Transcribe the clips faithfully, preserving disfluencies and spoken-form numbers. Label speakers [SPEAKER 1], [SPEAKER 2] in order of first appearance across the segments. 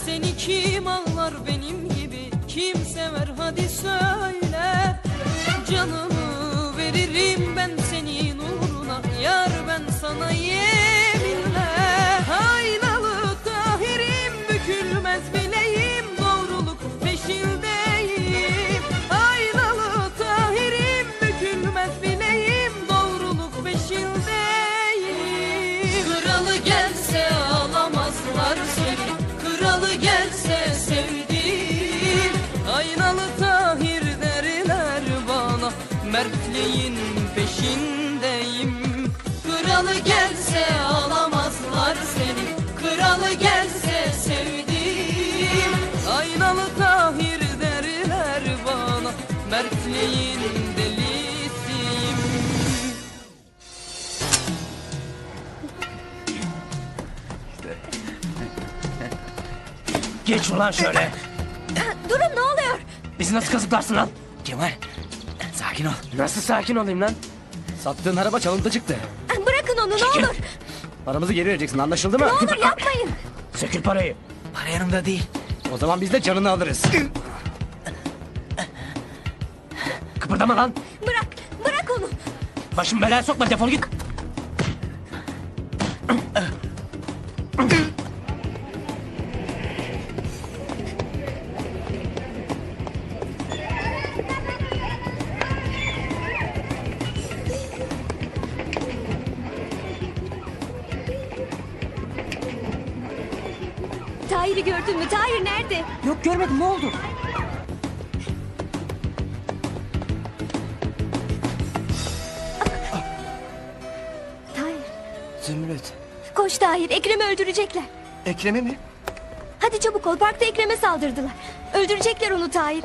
[SPEAKER 1] Seni kim ağlar benim gibi, kim sever hadi söyle. Canımı veririm ben senin uğruna, yar ben sana yeminle. Aynalı Tahir'im, bükülmez bileğim, doğruluk peşindeyim. Aynalı Tahir'im, bükülmez bileğim, doğruluk peşindeyim. Kralı gelse alamazlar seni, kralı gelse sevdiğim. Aynalı Tahir derler bana, mertliğin peşindeyim. Kralı gelse alamazlar seni, kralı gelse sevdiğim. Aynalı Tahir derler bana, mertliğin delisiyim.
[SPEAKER 2] Geç ulan şöyle.
[SPEAKER 3] Durun, ne oluyor?
[SPEAKER 2] Bizi nasıl kazıklarsın lan?
[SPEAKER 4] Kemal, sakin ol.
[SPEAKER 2] Nasıl sakin olayım lan?
[SPEAKER 4] Sattığın araba çalıntı çıktı.
[SPEAKER 3] Bırakın onu, ne
[SPEAKER 2] Çekil.
[SPEAKER 3] olur.
[SPEAKER 4] Paramızı geri vereceksin, anlaşıldı mı?
[SPEAKER 3] Ne olur yapmayın.
[SPEAKER 2] Sökül parayı.
[SPEAKER 4] Para yanımda değil. O zaman biz de canını alırız.
[SPEAKER 2] Kıpırdama lan.
[SPEAKER 3] Bırak, bırak onu.
[SPEAKER 2] Başım belaya sokma, defol git.
[SPEAKER 3] Tahir'i gördün mü? Tahir nerede?
[SPEAKER 4] Yok görmedim, ne oldu?
[SPEAKER 3] Tahir.
[SPEAKER 5] Zümrüt.
[SPEAKER 3] Koş Tahir, Ekrem'i öldürecekler.
[SPEAKER 5] Ekrem'i mi?
[SPEAKER 3] Hadi çabuk ol, parkta Ekrem'e saldırdılar. Öldürecekler onu Tahir.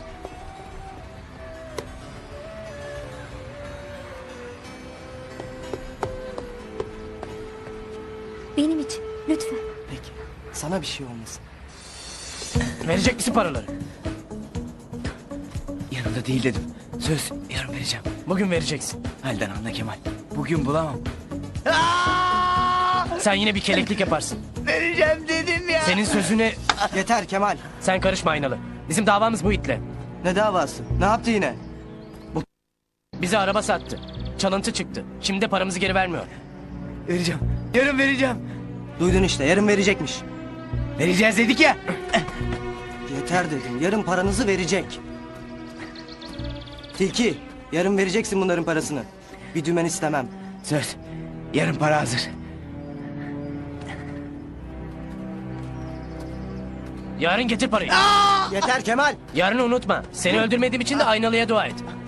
[SPEAKER 3] Benim için, lütfen.
[SPEAKER 5] Peki. Sana bir şey olmasın.
[SPEAKER 2] Verecek misin paraları?
[SPEAKER 4] Yanımda değil dedim. Söz, yarın vereceğim.
[SPEAKER 2] Bugün vereceksin.
[SPEAKER 4] Halden anla Kemal. Bugün bulamam.
[SPEAKER 2] Sen yine bir keleklik yaparsın.
[SPEAKER 5] Vereceğim dedim ya.
[SPEAKER 2] Senin sözüne
[SPEAKER 5] Yeter Kemal.
[SPEAKER 2] sen karışma Aynalı. Bizim davamız bu itle.
[SPEAKER 5] Ne davası? Ne yaptı yine?
[SPEAKER 2] Bize araba sattı. Çalıntı çıktı. Şimdi de paramızı geri vermiyor.
[SPEAKER 4] Vereceğim. Yarın vereceğim.
[SPEAKER 5] Duydun işte, yarın verecekmiş.
[SPEAKER 4] Vereceğiz dedik ya.
[SPEAKER 5] Yeter dedim, yarın paranızı verecek. Tilki, yarın vereceksin bunların parasını. Bir dümen istemem.
[SPEAKER 4] Söz, yarın para hazır.
[SPEAKER 2] Yarın getir parayı.
[SPEAKER 5] Yeter Kemal.
[SPEAKER 2] Yarını unutma. Seni öldürmediğim için de Aynalı'ya dua et.